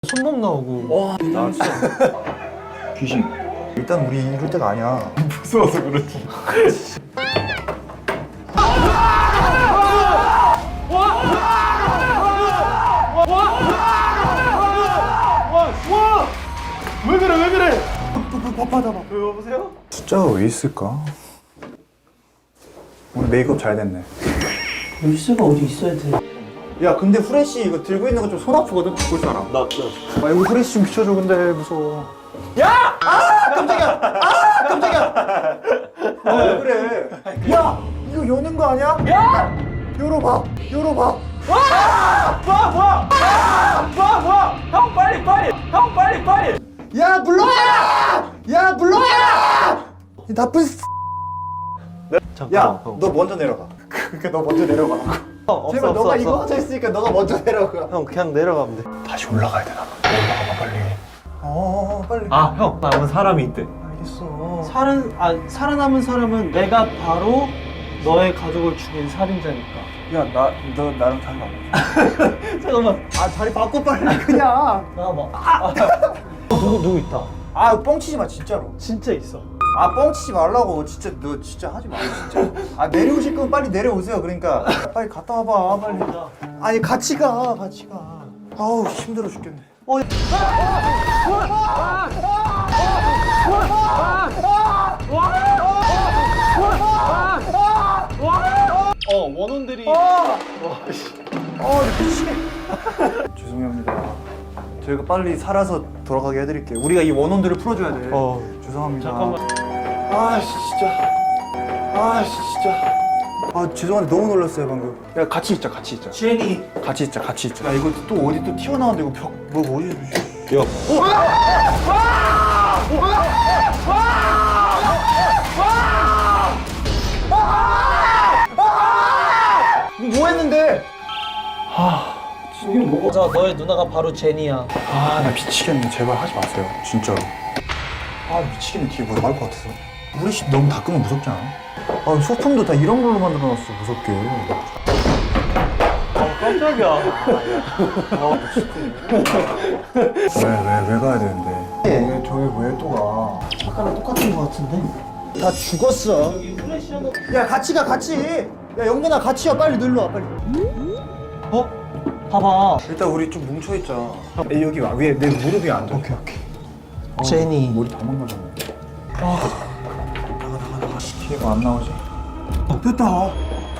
손목 나오고. 나왔어. 귀신. 일단 우리 이럴 때가 아니야. 무서워서 그렇지. 왜 그래 왜 그래? 바빠다 봐. 여보세요? 숫자가 왜 있을까? 오늘 메이크업 잘 됐네. 열쇠가 어디 있어야 돼? 야 근데 후레쉬 이거 들고 있는 거 좀 손 아프거든? 볼 줄 알아? 나 아 이거 후레쉬 좀 비춰줘 근데 무서워. 야! 아 깜짝이야! 아 깜짝이야! 왜 그래? 야! 이거 여는 거 아니야? 야! 열어봐! 열어봐! 뭐야? 형 빨리! 형 빨리! 야 물러야! 야 물러야! 이 나쁜 잠깐만. 야! 너 먼저 내려가. 그러니까 너 먼저 내려가. 제발 너가 이거 하자 했으니까 너가 먼저 내려가. 형 그냥 내려가면 돼. 다시 올라가야 되나? 올라가봐 빨리. 빨리. 아 형 남은 사람이 있대. 알겠어. 살아남은 사람은 내가 바로 너의 가족을 죽인 살인자니까. 야 너 나랑 달라. 잠깐만. 아 자리 바꿔 빨리 그냥. 나와봐. 누구 있다. 아 뻥치지 마 진짜로. 진짜 있어. 아 뻥치지 말라고. 진짜 너 진짜 하지 마 진짜. 아 내려오실 거면 빨리 내려오세요. 그러니까 빨리 갔다 와봐 빨리. 아니 같이 가. 아우 힘들어 죽겠네. 원혼들이. 미치겠. 죄송합니다. 저희가 빨리 살아서 돌아가게 해드릴게요. 우리가 이 원혼들을 풀어줘야 돼. 죄송합니다. 잠깐만. 진짜. 아 죄송한데 너무 놀랐어요 방금. 야 같이 있자. 제니. 같이 있자. 야 이거 또 어디 또 튀어나왔는데 이거 벽 뭐 어디? 야. 뭐 했는데? 자, 너의 누나가 바로 제니야. 아 나 미치겠네. 제발 하지 마세요. 진짜로. 아 미치겠네. 뒤에 뭐 나올 것 같아서. 우리 집 너무 닦으면 무섭지 않아? 아 소품도 다 이런 걸로 만들어놨어. 무섭게. 깜짝이야. 왜 가야 되는데? 왜 저기 왜 또 가? 아까랑 똑같은 거 같은데? 다 죽었어. 여기 후레쉬 한번. 야 같이 가 같이. 야 영근아 같이 와. 빨리 놀러 와 빨리. 봐봐. 일단 우리 좀 뭉쳐 있자. 여기 와. 위에 내 무릎이 안 돼. 오케이. 제니. 머리 다 망가졌네. 나가. 뒤에가 안 나오지? 됐다.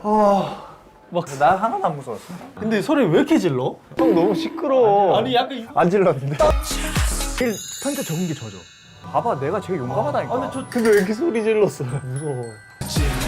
나 하나도 안 무서웠어. 근데 소리 왜 이렇게 질러? 형 너무 시끄러워. 아니 약간. 안 질렀는데. 제일 편차 적은 게 저죠. 봐봐, 내가 제일 용감하다니까. 근데 저 근데 왜 이렇게 소리 질렀어? 무서워.